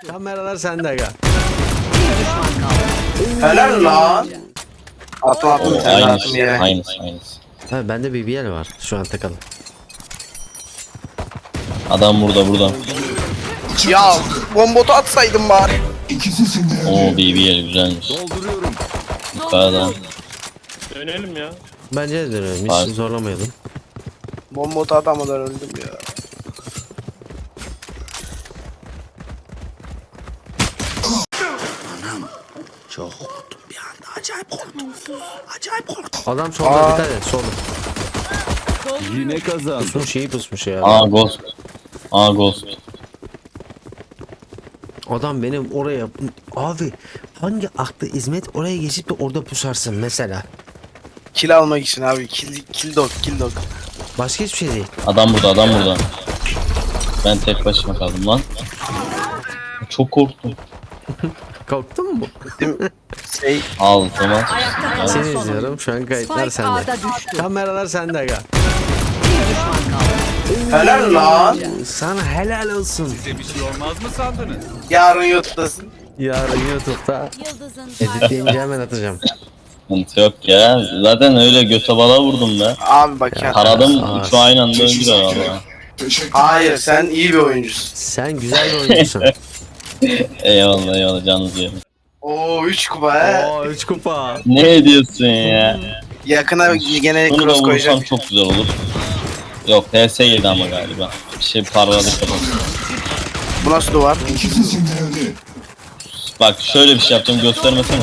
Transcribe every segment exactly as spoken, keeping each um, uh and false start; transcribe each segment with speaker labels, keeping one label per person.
Speaker 1: Kameralar sende aga.
Speaker 2: Helal lan. Atla atla
Speaker 3: Oo,
Speaker 2: bir tane attım
Speaker 3: aynısı,
Speaker 2: yere.
Speaker 3: aynısı, aynısı.
Speaker 1: Ha bende B B L var şu an takılı.
Speaker 3: Adam burada, burada.
Speaker 2: Ya bombotu atsaydım bari.
Speaker 3: Oo, B B L güzelmiş. Yukarıda.
Speaker 4: Dönelim ya.
Speaker 1: Bence de dönelim. Hiç
Speaker 3: Var.
Speaker 1: zorlamayalım.
Speaker 2: Bombotu atamadan öldüm ya.
Speaker 1: Adam solda
Speaker 2: Aa.
Speaker 1: dikkat et solda.
Speaker 5: Yine kazandı.
Speaker 1: Pusmuş şeyi pusmuş ya.
Speaker 3: Aa, Ghost. Aa, Ghost.
Speaker 1: Adam benim oraya abi hangi aklı hizmet oraya geçip de orada pusarsın mesela.
Speaker 2: Kill almak için abi. Kill, kill dog, kill dog.
Speaker 1: Başka hiçbir şey değil.
Speaker 3: Adam burada, adam burada. Ben tek başıma kaldım lan. Çok korktum.
Speaker 1: Korktun mu?
Speaker 2: Şey,
Speaker 3: Al, tamam.
Speaker 6: Ayakta kalan
Speaker 1: Seni
Speaker 6: son
Speaker 1: izliyorum
Speaker 6: oyuncu.
Speaker 1: şu an kayıtlar
Speaker 6: Spike
Speaker 1: sende.
Speaker 6: A'da düştü.
Speaker 1: Kameralar sende aga.
Speaker 6: Bir düşman kaldı.
Speaker 2: helal lan.
Speaker 1: Sana helal olsun.
Speaker 5: Size bir şey olmaz mı sandınız?
Speaker 2: Yarın YouTube'dasın.
Speaker 1: Yarın YouTube'da
Speaker 6: Yıldızın
Speaker 1: editleyince hemen atacağım.
Speaker 3: Sıkıntı yok ya. Zaten öyle göte bala vurdum be.
Speaker 2: Abi bak ya.
Speaker 3: Taradım,
Speaker 1: Aa.
Speaker 3: şu aynı anda öldüler valla.
Speaker 2: Hayır sen iyi bir oyuncusun.
Speaker 1: Sen güzel bir oyuncusun.
Speaker 3: Eyvallah, eyvallah, canınızı yerim.
Speaker 2: Oo üç kupa he.
Speaker 1: Oo üç kupa.
Speaker 3: Ne diyorsun ya?
Speaker 2: Yakına gene
Speaker 3: Bunu da
Speaker 2: cross
Speaker 3: vursam
Speaker 2: koyacağım.
Speaker 3: çok güzel olur. Yok, H S yedi ama galiba. Bir şey parladı kafası.
Speaker 2: Bu nasıl duvar?
Speaker 3: Bak şöyle bir şey yapacağım, göstermesene.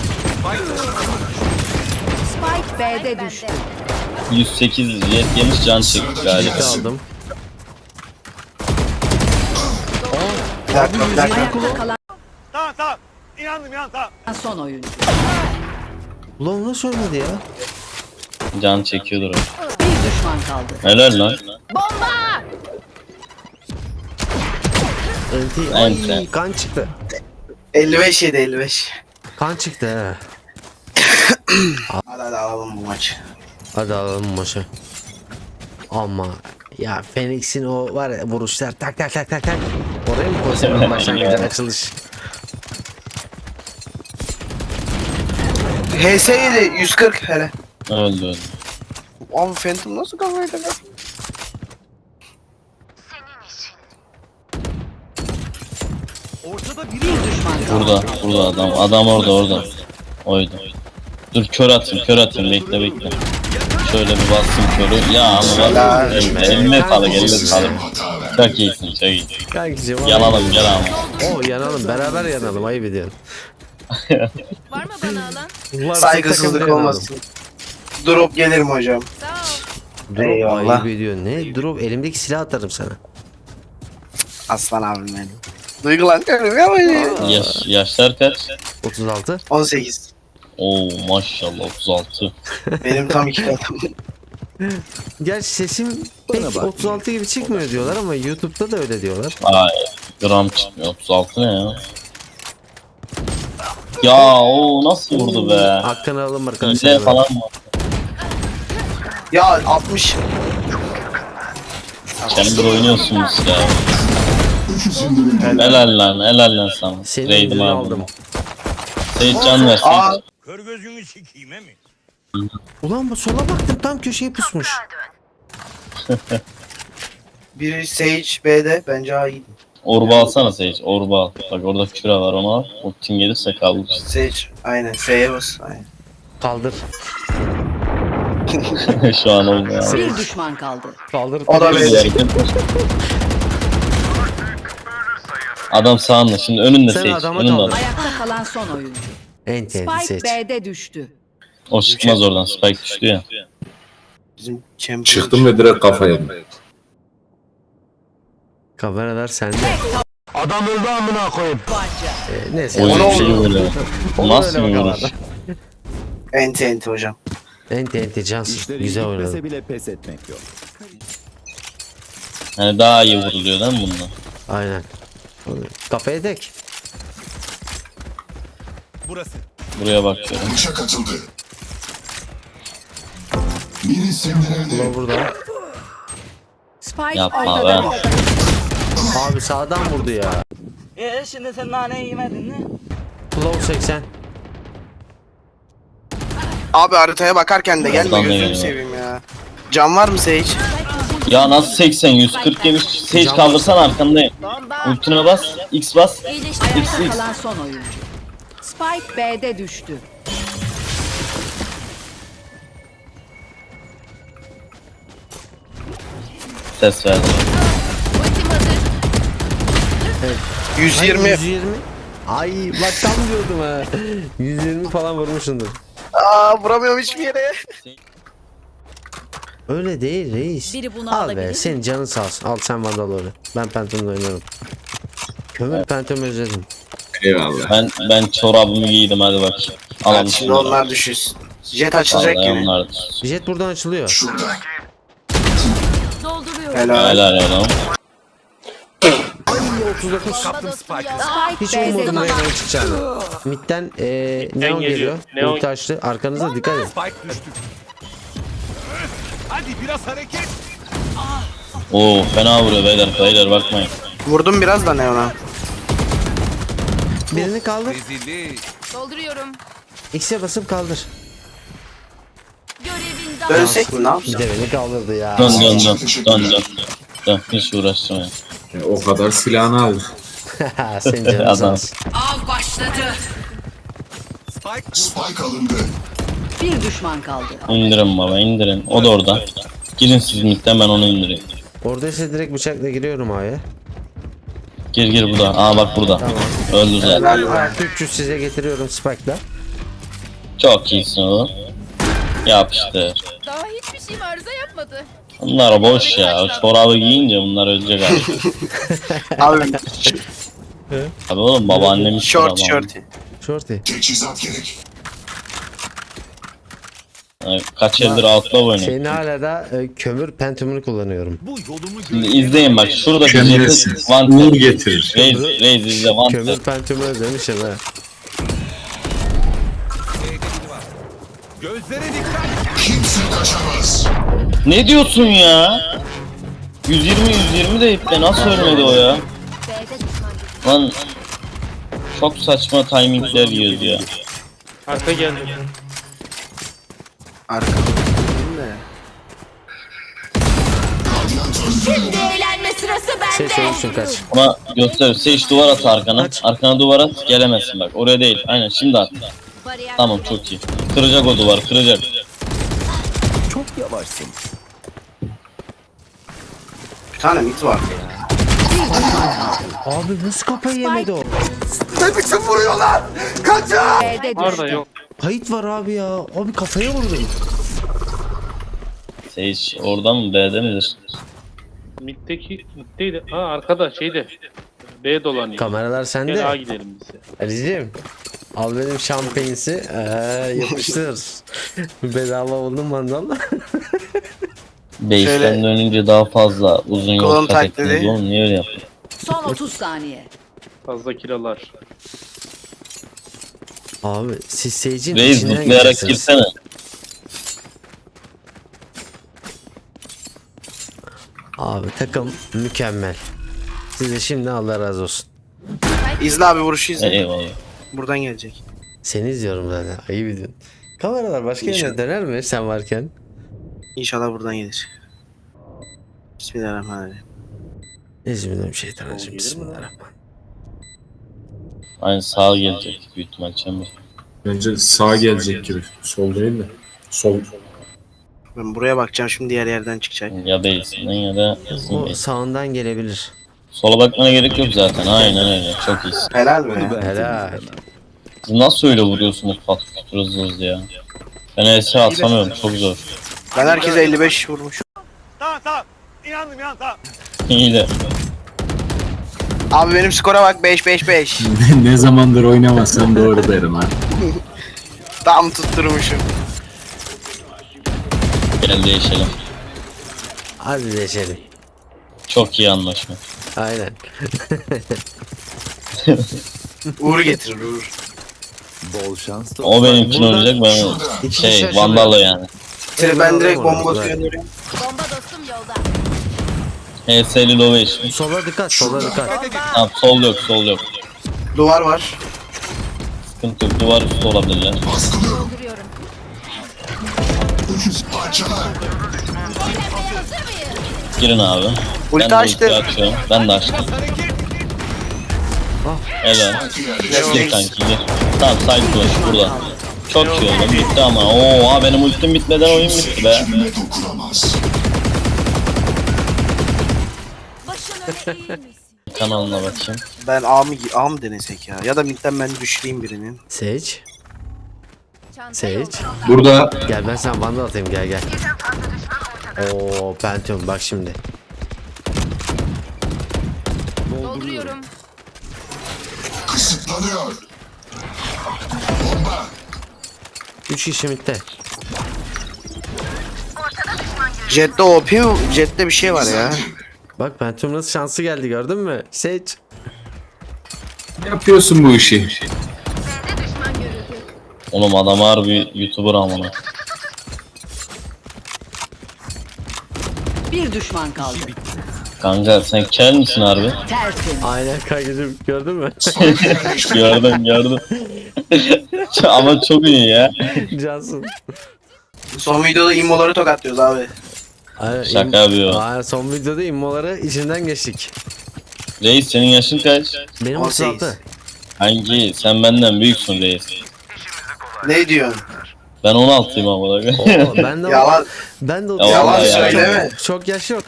Speaker 6: Spike B'de düştü.
Speaker 3: yüz sekiz jet yemiş, can çekti galiba.
Speaker 1: Aldım.
Speaker 2: Bir dakika bir dakika.
Speaker 6: Ayakta kalan
Speaker 4: Tamam tamam. İnandım ya tamam.
Speaker 6: son oyuncu.
Speaker 1: Ulan nasıl ölmedi ya?
Speaker 3: Can çekiyordur o.
Speaker 6: Bir düşman kaldı.
Speaker 3: Helal lan.
Speaker 1: Enti.
Speaker 3: Enti.
Speaker 1: Ay kan çıktı.
Speaker 2: elli beş yedi elli beş.
Speaker 1: Kan çıktı he.
Speaker 2: Hadi hadi alalım bu maçı.
Speaker 1: Hadi alalım maçı. Ama ya Phoenix'in o var ya vuruşlar tak tak tak tak tak. Oraya mı koysam başlangıcın açılış?
Speaker 2: H S yedi yüz kırk hele.
Speaker 3: Öldü öldü.
Speaker 2: Abi Phantom nasıl kafayı takar?
Speaker 4: Ortada biri
Speaker 6: Bir düşman kaldı.
Speaker 3: Burada, burada adam. Adam orada, orada. Oydu. Dur kör atayım, kör atayım. Bekle, bekle. Şöyle bir bastım körü. Ya ama bak. Eline, eline sağlık, eline sağlık. Çok iyisin, çok iyisin.
Speaker 1: Kankicim ama-
Speaker 3: Yanalım, gel ama.
Speaker 1: Oo yanalım beraber yanalım ayıp ediyorsun.
Speaker 7: Var mı bana alan?
Speaker 1: Varsa
Speaker 2: Saygısızlık
Speaker 1: takımda yanalım.
Speaker 2: olmasın. Drop gelirim hocam.
Speaker 7: Sağ ol.
Speaker 1: Drop
Speaker 2: Eyvallah.
Speaker 1: ayıp ediyorsun. Ne drop elimdeki silah atarım sana.
Speaker 2: Aslan abim benim. Duygulanıyorum ya böyle.
Speaker 3: Yaş, yaşlar kaç?
Speaker 1: otuz altı.
Speaker 2: on sekiz.
Speaker 3: Oo maşallah, otuz altı.
Speaker 2: Benim tam iki katım.
Speaker 1: Gerçi sesim pek otuz altı gibi çıkmıyor diyorlar ama YouTube'da da öyle diyorlar.
Speaker 3: Ay, gram çıkmıyor. otuz altı ne ya? Ya o nasıl vurdu be?
Speaker 1: Hakkını alalım arkadaşlar.
Speaker 3: İle falan mı?
Speaker 2: Ya altmış.
Speaker 3: Chamber oynuyorsunuz ya. Helal lan, helal lan sana.
Speaker 1: Senin
Speaker 3: Raid'im
Speaker 1: yüzünü
Speaker 3: abi.
Speaker 1: aldım.
Speaker 3: Seyit can ver,
Speaker 2: Aa
Speaker 3: Seyit.
Speaker 4: kör gözünü sikeyim he mi?
Speaker 1: Ulan bu sola baktım tam köşeye pusmuş.
Speaker 2: biri Sage B'de bence A iyi.
Speaker 3: Orba alsana Seyit, orba al. Bak orada küre var, onu al. Ultin gelirse kaldır.
Speaker 2: Sage aynen F'ye bas. Aynen.
Speaker 1: Kaldır.
Speaker 3: Şu an olmuyor.
Speaker 6: Bir düşman kaldı.
Speaker 1: Kaldır.
Speaker 2: O da
Speaker 3: Böyle bir
Speaker 2: B'de.
Speaker 3: hareket. Adam sağında, şimdi önünde
Speaker 1: Sen
Speaker 3: Seyit,
Speaker 1: adama
Speaker 3: önünde
Speaker 1: daldır.
Speaker 3: adam.
Speaker 6: Ayakta kalan son oyuncu.
Speaker 1: Enti enti
Speaker 6: Spike
Speaker 1: seç.
Speaker 6: B'de düştü.
Speaker 3: O çıkmaz oradan, Spike düştü ya.
Speaker 2: Bizim champion.
Speaker 8: Çıktım ve direkt kafa yedim.
Speaker 1: Kameralar sende.
Speaker 6: Barca.
Speaker 1: Ee, neyse.
Speaker 3: Oyun
Speaker 1: Onu-
Speaker 3: şey böyle.
Speaker 1: onu
Speaker 3: Nasıl
Speaker 1: öyle
Speaker 3: bir
Speaker 1: bakalım.
Speaker 3: vuruş?
Speaker 2: Enti enti hocam.
Speaker 1: Enti enti cansın.
Speaker 5: İşleri
Speaker 1: Güzel
Speaker 5: iyi
Speaker 1: oynadın.
Speaker 5: gitmese bile pes etmek yok.
Speaker 3: Yani daha iyi vuruluyor değil mi bundan?
Speaker 1: Aynen. Kafaya tek.
Speaker 4: Burası.
Speaker 3: Buraya bakıyorum.
Speaker 1: Ulan burada.
Speaker 6: Spike
Speaker 3: Yapma
Speaker 6: ortada
Speaker 3: be.
Speaker 6: düştü.
Speaker 1: Abi sağdan vurdu ya.
Speaker 8: Ee şimdi sen naneyi yemedin mi?
Speaker 1: Low seksen.
Speaker 2: Abi haritaya bakarken de gelme
Speaker 3: Oradan da
Speaker 2: gözünü
Speaker 3: geliyor.
Speaker 2: seveyim ya. Can var mı Sage?
Speaker 3: Ya nasıl seksen yüz kırk yemiş. Sage kaldırsan arkandayım. Ultine bas. X bas.
Speaker 6: Ayakta
Speaker 3: X X.
Speaker 6: kalan son oyuncu. Spike B'de düştü.
Speaker 3: Ses verdi.
Speaker 7: Ultim hazır.
Speaker 2: yüz
Speaker 1: Ay,
Speaker 2: yirmi.
Speaker 1: yüz yirmi. Ay bak tam diyordum ha. yüz yirmi falan vurmuşsundur.
Speaker 2: Aa vuramıyorum hiçbir yere.
Speaker 1: Öyle değil reis.
Speaker 7: Biri bunu
Speaker 1: Al
Speaker 7: alabilir
Speaker 1: be
Speaker 7: mi?
Speaker 1: senin canın sağ olsun. Al sen Vandal oyna. Ben Phantom'la oynarım. Kömür Phantom özledim.
Speaker 9: Eyvallah.
Speaker 3: Ben ben çorabımı giydim hadi bak. Alalım
Speaker 2: Hadi şimdi onlar düşürsün. Jet açılacak
Speaker 3: Vallahi
Speaker 2: gibi.
Speaker 3: onlar.
Speaker 1: Jet buradan açılıyor.
Speaker 7: Dolduruyorum.
Speaker 2: Helal.
Speaker 3: Helal helal.
Speaker 1: otuz dokuz.
Speaker 7: Bomba dostum yolda.
Speaker 1: Hiç
Speaker 6: Spike B'de
Speaker 1: ummadım
Speaker 6: düştü.
Speaker 1: Neon çıkacağını. Mid'den eee Neon geliyor.
Speaker 4: Neon.
Speaker 1: Ulti açtı. Arkanıza dikkat edin.
Speaker 4: Spike düştü. Hadi biraz hareket.
Speaker 3: Oo fena vuruyor beyler beyler bakmayın.
Speaker 2: Vurdum biraz da Neon'a.
Speaker 1: Birini kaldır.
Speaker 5: Rezillik.
Speaker 7: Dolduruyorum.
Speaker 1: X'e basıp kaldır.
Speaker 7: Görevin daha.
Speaker 2: Dönsek mi ne
Speaker 1: Bir
Speaker 2: yapacağız?
Speaker 1: de beni kaldırdı ya.
Speaker 3: Dön dön dön dön dön. Dön hiç uğraştırmayın.
Speaker 9: Ya, o kadar silahını aldı.
Speaker 1: Senin canın sağ
Speaker 3: Adam.
Speaker 1: olsun.
Speaker 6: Av başladı. Bir düşman kaldı.
Speaker 3: İndirin baba indirin. O da orada. Girin siz midden ben onu indireyim.
Speaker 1: Oradaysa direkt bıçakla giriyorum A'ya.
Speaker 3: Gir gir burada. Aa bak burada. Öldü zaten.
Speaker 2: Helal.
Speaker 1: üç yüz size getiriyorum Spike'la.
Speaker 3: Çok iyisin oğlum. Yapıştır.
Speaker 7: Daha hiçbir şeyim arıza yapmadı.
Speaker 3: Bunlar boş ya. Çorabı giyince bunlar ölecek abi.
Speaker 2: Abi
Speaker 3: Abi oğlum babaannemiz
Speaker 2: short
Speaker 3: çorabı.
Speaker 2: short.
Speaker 1: Shorty.
Speaker 3: Ay, Kaç yıldır outlaw oynuyor.
Speaker 1: Senin hala da e, kömür pentumunu kullanıyorum.
Speaker 4: Bu yolumu
Speaker 3: Şimdi izleyin bak şurada
Speaker 9: Gömlesin.
Speaker 3: jeti one
Speaker 9: Uğur
Speaker 3: tap.
Speaker 9: getirir.
Speaker 3: Reis, Reis izle one
Speaker 1: Kömür
Speaker 3: tap.
Speaker 1: pentumu özlemişim ha.
Speaker 4: Gözlere dikkat.
Speaker 3: Ne diyorsun ya? yüz yirmi yüz yirmi de ipte nasıl ölmedi o ya? Lan çok saçma timingler yiyoruz ya.
Speaker 4: Arka geldi.
Speaker 2: Arka.
Speaker 7: Şimdi eğlenme sırası
Speaker 1: Şey
Speaker 7: bende.
Speaker 1: söylemişim kaç.
Speaker 3: Ama göster. Sage duvar at arkana.
Speaker 1: Aç.
Speaker 3: Arkana duvar at gelemezsin bak. Oraya değil. Aynen şimdi at.
Speaker 7: Bariyer
Speaker 3: Tamam çok iyi. Kıracak o duvar kıracak.
Speaker 5: Çok yavaşsın.
Speaker 2: Bir tane mit var ya.
Speaker 1: Abi nasıl kafayı yemedi o?
Speaker 6: B'de düştü.
Speaker 4: Orada yok.
Speaker 1: Kayıt var abi ya. Abi kafaya vurdum.
Speaker 3: Sage orada mı B'de midir?
Speaker 4: Middeki, middeydi. Ha arkada şeyde. B dolanıyor.
Speaker 1: Kameralar
Speaker 4: Gel A
Speaker 1: sende.
Speaker 4: gidelim biz.
Speaker 1: Ali'ciğim. Al benim şampanyası. Eee yapıştır. Bedava oldum mandalla.
Speaker 3: Base'den
Speaker 2: Şöyle-
Speaker 3: dönünce daha fazla uzun
Speaker 2: Kolon
Speaker 3: yol kat
Speaker 2: tak
Speaker 3: ettiniz
Speaker 2: dedi.
Speaker 3: oğlum niye öyle yaptın?
Speaker 6: Son otuz saniye.
Speaker 4: Fazla kilolar.
Speaker 1: Abi siz Sage'in
Speaker 3: Reis
Speaker 1: içinden
Speaker 3: zıplayarak
Speaker 1: geçersiniz.
Speaker 3: girsene.
Speaker 1: Abi takım mükemmel. Size şimdi Allah razı olsun.
Speaker 2: İzle abi vuruşu izle.
Speaker 3: Eyvallah.
Speaker 2: Buradan gelecek.
Speaker 1: Seni izliyorum zaten. Ayıp ediyorsun. Kameralar başka yerine
Speaker 2: İnşallah.
Speaker 1: döner mi sen varken?
Speaker 2: İnşallah buradan gelir. Bismillahirrahmanirrahim.
Speaker 1: Euzubillahimineşşeytanirracim. Bismillahirrahmanirrahim.
Speaker 3: Aynen sağa gelecek büyük ihtimal Chamber.
Speaker 9: Bence sağ gelecek gibi. Sol değil de. Sol.
Speaker 2: Ben buraya bakacağım şimdi diğer yerden çıkacak.
Speaker 3: Ya base'inden ya da bizim
Speaker 1: O
Speaker 3: base.
Speaker 1: sağından gelebilir.
Speaker 3: Sola bakmana gerek yok zaten. Aynen öyle. Çok iyisin.
Speaker 2: Helal be.
Speaker 5: Ben
Speaker 1: Helal.
Speaker 5: temizlemem.
Speaker 3: Siz nasıl öyle vuruyorsunuz pat kütür hızlı hızlı ya? Ben E S atamıyorum. Çok zor.
Speaker 2: Ben herkese elli beş vurmuş.
Speaker 4: Tamam tamam. İnandım ya tamam.
Speaker 3: İyi de.
Speaker 2: Abi benim skora bak beş beş beş.
Speaker 9: Ne zamandır oynamasam doğru derim ha.
Speaker 2: Tam tutturmuşum.
Speaker 3: Gel değişelim.
Speaker 1: Hadi deşelim.
Speaker 3: Çok iyi anlaşma.
Speaker 1: Aynen.
Speaker 2: Uğur getirir Uğur.
Speaker 5: Bol şans.
Speaker 3: O benimkini
Speaker 1: Buradan-
Speaker 3: oynayacak ben
Speaker 1: İki
Speaker 3: şey
Speaker 1: kişi
Speaker 3: Vandal'la yani.
Speaker 2: Ben direkt
Speaker 1: Orada,
Speaker 2: bomba
Speaker 1: orada.
Speaker 2: gönderiyorum.
Speaker 7: Bomba dostum yolda.
Speaker 3: H S'li Lovation.
Speaker 1: Sola dikkat, sola dikkat.
Speaker 3: Tamam sol yok sol yok.
Speaker 2: Duvar var.
Speaker 3: Sıkıntı yok. Duvar üstü olabilirler.
Speaker 7: Dolduruyorum.
Speaker 3: Girin abi.
Speaker 2: Ulti
Speaker 3: Ben de
Speaker 2: açtı.
Speaker 3: ulti açıyorum. Ben de açtım. Helal. Gir kanki gir. Tamam side flash burada. Çok iyi oldu. Bitti ama. Oo ha benim ultim bitmeden oyun bitti be. Kanalına bakayım.
Speaker 2: Ben A mı, A mı denesek ya? Ya da midden ben düşüreyim birinin.
Speaker 1: Sage.
Speaker 7: Çanta
Speaker 1: Sage.
Speaker 7: yolda.
Speaker 9: Burada
Speaker 1: Gel ben sana vandal atayım gel gel. Oo Pentium bak şimdi.
Speaker 7: Dolduruyorum.
Speaker 1: Üç kişi midde.
Speaker 2: Jet'te O P, Jet'te bir şey var ya.
Speaker 1: Bak Pentium nasıl şansı geldi gördün mü? Sage.
Speaker 9: yapıyorsun bu işi.
Speaker 3: Oğlum adam harbi YouTuber amına.
Speaker 6: Bir düşman kaldı.
Speaker 3: Kanka sen kel misin harbi?
Speaker 6: Tertemiz.
Speaker 1: Aynen kankacığım gördün mü?
Speaker 3: gördüm gördüm. Ama çok iyi ya.
Speaker 1: Cansın.
Speaker 2: Son videoda immoları tokatlıyoruz abi.
Speaker 1: Aynen,
Speaker 3: Şaka yapıyor.
Speaker 1: Aynen, son videoda immoları içinden geçtik.
Speaker 3: Reis senin yaşın kaç?
Speaker 1: Benim
Speaker 2: on
Speaker 1: otuz
Speaker 2: sekiz.
Speaker 1: altı.
Speaker 3: Hangi? Sen benden büyüksün reis.
Speaker 2: Ne diyorsun?
Speaker 3: Ben on altıyım ama.
Speaker 1: Oo, ben de
Speaker 2: Yalan.
Speaker 1: ben de
Speaker 3: Yalan
Speaker 2: Yalan
Speaker 3: ya,
Speaker 2: söyleme.
Speaker 1: çok, çok yaş yok.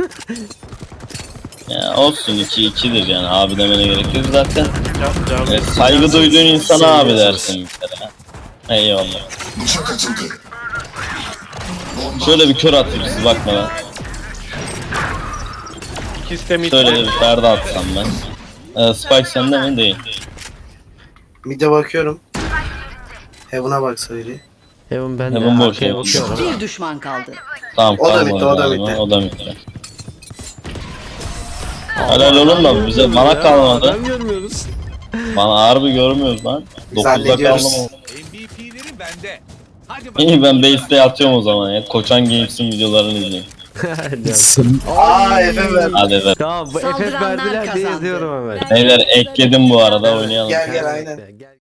Speaker 3: Ya olsun iki ikidir yani abi demene gerek yok zaten.
Speaker 4: Can, can.
Speaker 3: E, saygı duyduğun insana abi
Speaker 1: Seviyorsunuz.
Speaker 3: dersin bir kere. Eyvallah. Şöyle bir kör atayım siz bakmadan.
Speaker 4: İkisi de mid.
Speaker 3: Şöyle de bir perde atsam ben. E, Spike sende mi? Değil.
Speaker 2: Mid'e bakıyorum. Heaven'a baksa biri.
Speaker 1: Heaven ben de
Speaker 3: Heaven boş,
Speaker 1: arkaya
Speaker 3: Heaven.
Speaker 1: bakıyorum.
Speaker 6: Bir düşman kaldı.
Speaker 3: Tamam
Speaker 2: O da
Speaker 3: kalmadı
Speaker 2: bitti, o da
Speaker 3: galiba.
Speaker 2: bitti.
Speaker 3: O da bitti. Helal oğlum da bize bana kalmadı.
Speaker 1: Adam görmüyoruz.
Speaker 3: Bana harbi görmüyoruz lan. dokuzda
Speaker 2: Zannediyoruz.
Speaker 3: kaldım. İyi ben base'de yatıyorum o zaman ya. Koçan Games'in videolarını izleyeyim.
Speaker 2: Aa Efe ver.
Speaker 3: Hadi be.
Speaker 1: Tamam bu F F
Speaker 6: Saldıranlar
Speaker 1: verdiler diye
Speaker 6: kazandı.
Speaker 1: izliyorum hemen.
Speaker 3: Beyler ekledim bu arada oynayalım.
Speaker 2: Gel gel aynen.
Speaker 1: Gel.